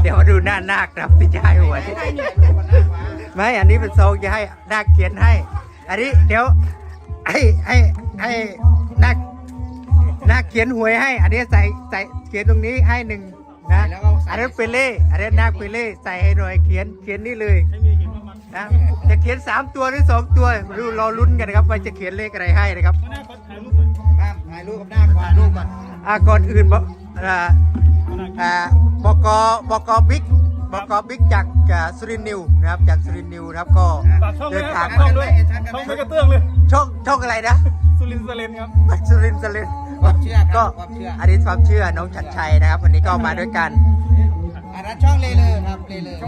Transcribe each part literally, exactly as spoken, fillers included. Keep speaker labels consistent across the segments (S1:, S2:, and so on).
S1: ดี๋ยวมาดูหน้านาคครับที่จะให้หวยไม่อันนี้เป็นซองจะให้นาคเขียนให้ อันนี้เดี๋ยวให้ให้ให้นาคนาคเขียนหวยให้ อันนี้ใส่ใส่เขียนตรงนี้ให้หนึ่งนะอันนั้นเป็นเล่อันนั้นนาคเป็นเล่ใส่ให้หน่อยเขียนเขียนนี่เลยนะจะเขียนสามตัวหรือสองตัวดูรอลุ้นกันนะครับว่าจะเขียนเลขอะไรให้นะครับ
S2: ถ่ายรูปกับหน้าถ่ายรูปก่อน
S1: อ่าก่อนอื่นบอกอ่าอ่าบกบกบิ๊กบกบิ๊กจากสุรินทร์นิวนะครับจากสุรินทร์นิวนะครับก็เดินทาง
S3: ช่องด้วยช่องไม่กระเตื้องเลย
S1: ช่องช่องอะไรนะ
S3: สุรินทร์เซเลนครับ
S1: สุรินทร์เซเลน
S2: ความเชื่อค
S1: ก็
S2: รับความเชื่อ
S1: อันนี้ความเชื่อน้องชัดชัยนะครับวันนี้ก็มาด้วยกัน
S2: อันนั้นช่องเลเลยครับเลเลย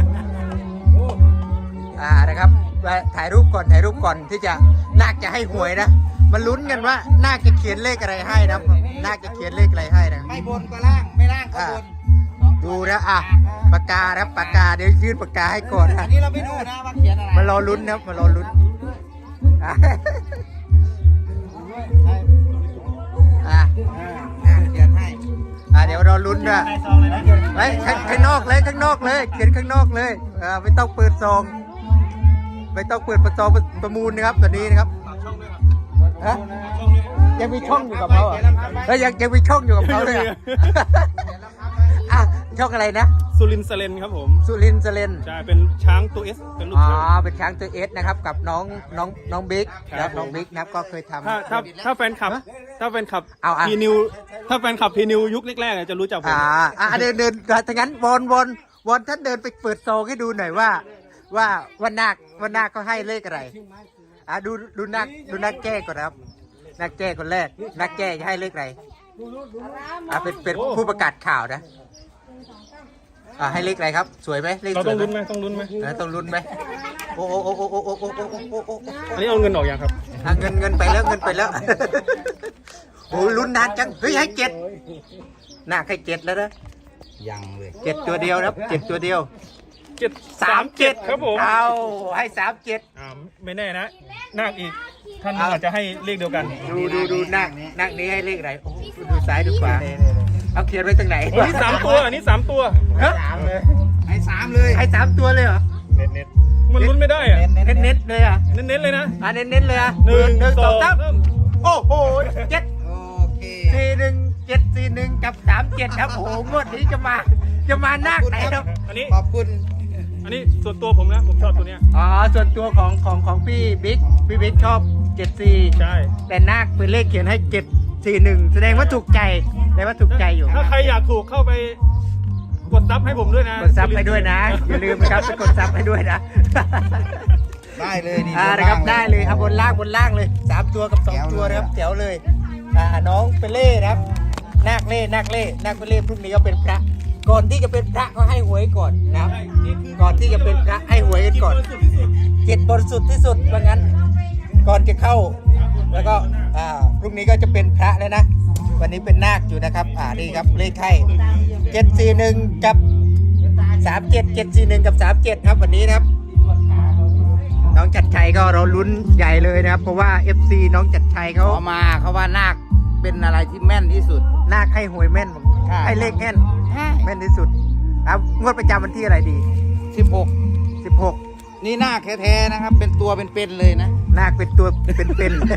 S1: อ่านะครับถ่ายรูปก่อนถ่ายรูปก่อนที่จะนาคจะให้หวยนะมันลุ้นกันว่านาคจะเขียนเลขอะไรให้นะนาคจะเขียนเลขอะไรให้นะ
S2: ไม่บนก็ล่างไม่ล่างก็บน
S1: ดูนะอ่ะปากกาครับปากกาเดี๋ยวยื่นปากกาให้ก่อน
S2: อั
S1: นะ
S2: นนี้เราไม่ดูนะว่าเขียนอะไร
S1: มารอลุ้นนะครับมารอลุ้นอ่ะอ่ะ
S2: อ่าเขียนให้
S1: อ่ะเดี๋ยวรอลุ้นนะไว้ข้างข้างนอกเลยข้างนอกเลย เขียนข้างนอกเลยอ่าไม่ต้องเปิดซองไม่ต้องเปิดประซองประมูลนะครับตัวนี้นะครับฮะยังมีช่องอยู่กับเขาเหรอเฮ้ยยังยังมีช่องอยู่กับเขาเลยเหรออ่ะช่องอะไรนะ
S3: สุรินทร์เซเลนครับผม
S1: สุรินทร์เซเลน
S3: ใช่เป็นช้างตัวเอสเป็นลูก
S1: อ๋อ
S3: ช้าง
S1: เป็นช้างตัวเอสนะครับกับน้องน้องน้องบิ๊ก
S3: ครับ
S1: น้องบิ๊กนะครับก็เคยทำ
S3: ถ้าถ้าถ้าแฟนคลับ ถ้าแฟนคลับ
S1: เอาอ่ะ
S3: พีนิวถ้าแฟนคลับพีนิวยุคแรกๆอ่ะจะรู้จักผม
S1: อ่าอ่าเดินเดินถ้างั้นวนวนวนท่านเดินไปเปิดซองให้ดูหน่อยว่า ว่าว่านาคว่านาคเขาให้เลขอะไรอ่าดูดูนาคดูนาคแก้ก่อนนะครับนาคแก้คนแรกนาคแก้จะให้เลขอะไรอ่าเป็นเป็นผู้ประกาศข่าวนะอ่าให้เลขอะไรครับ สวยไหมเลข
S3: เรา
S1: ส
S3: ต้
S1: ว
S3: อย ง
S1: ไหม
S3: ลุ้นไหมต้องลุ้นไหม
S1: เออต้องลุ้นไหมโอ้โอ้โอ้โอ้โอ้โอ้โอ้โอ้โอ้โอ้
S3: อันนี้เอาเงินออกยังครับ
S1: อ่ะเงินเงินไปแล้วเงินไปแล้ว โอ้ลุ้นนานจังเฮ้ยให้เจ็ดนาคให้เจ็ดแล้วนะ
S2: ยังเลย
S1: เจ็ดตัวเดียวนะครับเจ็ดตัวเดียว
S3: เจ็ด
S1: สามเจ็ด
S3: ครับผม
S1: เอาให้สามเจ็ด
S3: อ่าไม่แน่นะนาคอีกท่านอาจจะให้เลขเดียวกัน
S1: ดูดูดูนักนักนี้ให้เลขอะไรโอ้ดูซ้ายดูขวาเอาเขียนไว้ตรงไหน
S3: อันนี้สามตัวอันนี้สามตัว
S1: ฮะ
S2: สามเลยให้สามเลย
S1: ให้สามตัวเลยเหรอ
S3: เน็ตเน็ตมันลุ้นไม่ได้อ่ะ
S1: เน้นเน้นๆเลยอ่ะ
S3: เน้นเน้นเลยนะ
S1: อ่ะเน้นเน้นๆเลยอ่ะ
S3: หนึ่ง
S1: หนึ่ง
S3: ส
S1: ส
S3: อ
S1: อง งสาม
S3: เริ่ม
S1: โอ้โหเจ็ด
S2: โอเค
S1: สี่หนึ่งเจ็ดสี่หนึ่งกับสามเจ็ดครับโอ้โหงวดนี้จะมาจะมานักไหนครับ
S3: อันนี้
S2: ขอบคุณ
S3: อันนี้ส่วนตัวผมนะผมชอบตัวเนี้ย
S1: อ๋อส่วนตัวของของของพี่บิ๊กพี่บิ๊กชอบเจ็ดสี่
S3: ใช่
S1: แต่นาคเป็นเลขเขียนให้เจ็ดสี่หนึ่งแสดงว่าถูกใจแสดงว่าถูกใจอยู่
S3: ถ้าใครอยากถูกเข้าไปกดซับให้ผมด้วยนะ
S1: กดซับให้ด้วยนะ อย่าลืมนะครับไปกดซับให้ด้วยนะ
S2: ได้เลยนี่
S1: อ่านะครับได้เลยครับบนล่างบนล่างเลยสามตัวกับสองตัวนะครับแจ๋วเลยอ่าน้องเป็นเล่นะครับนาคเล่นาคเล่นาคเป็นเล่พรุ่งนี้ก็เป็นพระ ก่อนที่จะเป็นพระก็ให้หวยก่อนนะครับก่อนที่จะเป็นพระให้หวยกันก่อนเจ็ดบริสุทธิ์ที่สุดว่างั้น ก่อนจะเข้า แล้วก็อ่าพรุ่งนี้ก็จะเป็นพระแล้วนะ วันนี้เป็นนาคอยู่นะครับอ่านี่ครับเลขไข่เจ็ดสี่หนึ่งกับสามเจ็ดเจ็ดสี่หนึ่งกับสามเจ็ดครับวันนี้นะครับ น้องจัดชัยก็เราลุ้นใหญ่เลยนะครับ เพราะว่า เอฟ ซี น้องจัดชัยเขา
S2: เขามาเขาว่านาคเป็นอะไรที่แม่นที่สุด
S1: นาคให้หวยแม่น
S2: ใช่
S1: ให้เลขแม่นแม่นที่สุดครับงวดประจำวันที่อะไรดี
S2: สิบหก
S1: สิบหก
S2: นี่นาคแท้ๆนะครับ เป็นตัวเป็นๆเลยนะ
S1: นาคเป็นตัวเป็นๆ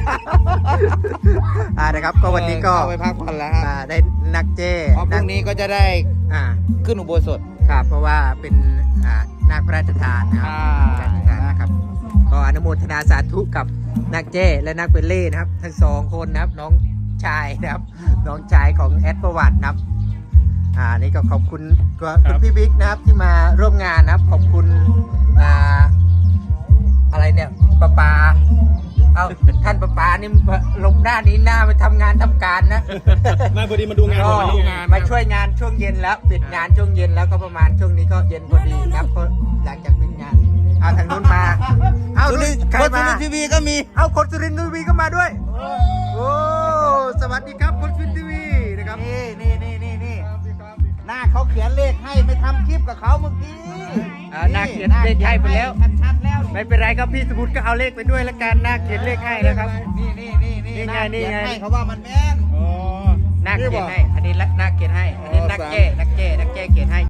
S1: อ่านะครับ ก็วันนี้ก็
S2: เข้าไปพักผ่อนแล้วครับ
S1: อ่าได้นักเจ้
S2: เพราะพรุ่งนี้ก็จะได้
S1: อ่า
S2: ขึ้นอุโบสถ
S1: ครับเพราะว่าเป็นอ่านาคพระราชทานนะครับ
S2: ใช่
S1: พระราชทานนะครับก็อนุโมทนาสาธุกับนักเจ้และนักเปเล่นะครับทั้งสองคนนะครับน้องชายนะครับน้องชายของแอดประวัตินะครับอ่านี่ก็ขอบคุณก็คุณพี่บิ๊กนะครับที่มาร่วมงานนะครับขอบคุณอ่าอะไรเนี่ยป้าปาเอาท่านป้าปานี่ลงหน้านี้หน้าไปทำงานทำการนะ
S3: มาพอดีมาดูงาน
S1: ก็
S3: มาดูงาน
S1: มาช่วยงานช่วงเย็นแล้วปิดงานช่วงเย็นแล้วก็ประมาณช่วงนี้ก็เย็นพอดีครับก็หลังจากปิดงานเอาทางนู้นมาเอา
S2: สุ
S1: ดู
S2: รินทร์
S1: ใคร
S2: คนสุ
S1: มา
S2: รินทร์ทีวีก็มี
S1: เอาคนสุรินทร์ทีวีก็มาด้วยโอ้สวัสดีครับคนสุรินทร์ทีวีนะครับ
S2: นี่นี่นี่นี่นี่หน้าเขาเขียนเลขให้ไม่ทำคลิปกับเขาเมื่อกี้
S1: อ่านาคเขียนเลขให้ไปแล้ว
S2: ชัดๆแล้ว
S1: ไม่เป็นไรครับพี่สมุทรก็เอาเลขไปด้วยแล้วกันนาคเขียนเลขให้นะครับ
S2: นี่นี่นี่นี่
S1: นี่ไง
S2: าค
S1: นี่ไง
S2: เขียให้เขาว่ามันแม่น
S3: อ๋อ
S1: นาคเขียนให้อันนี้นาคเขียนให้อันนี้นักเก้นักเก้นักเก้เขียนให้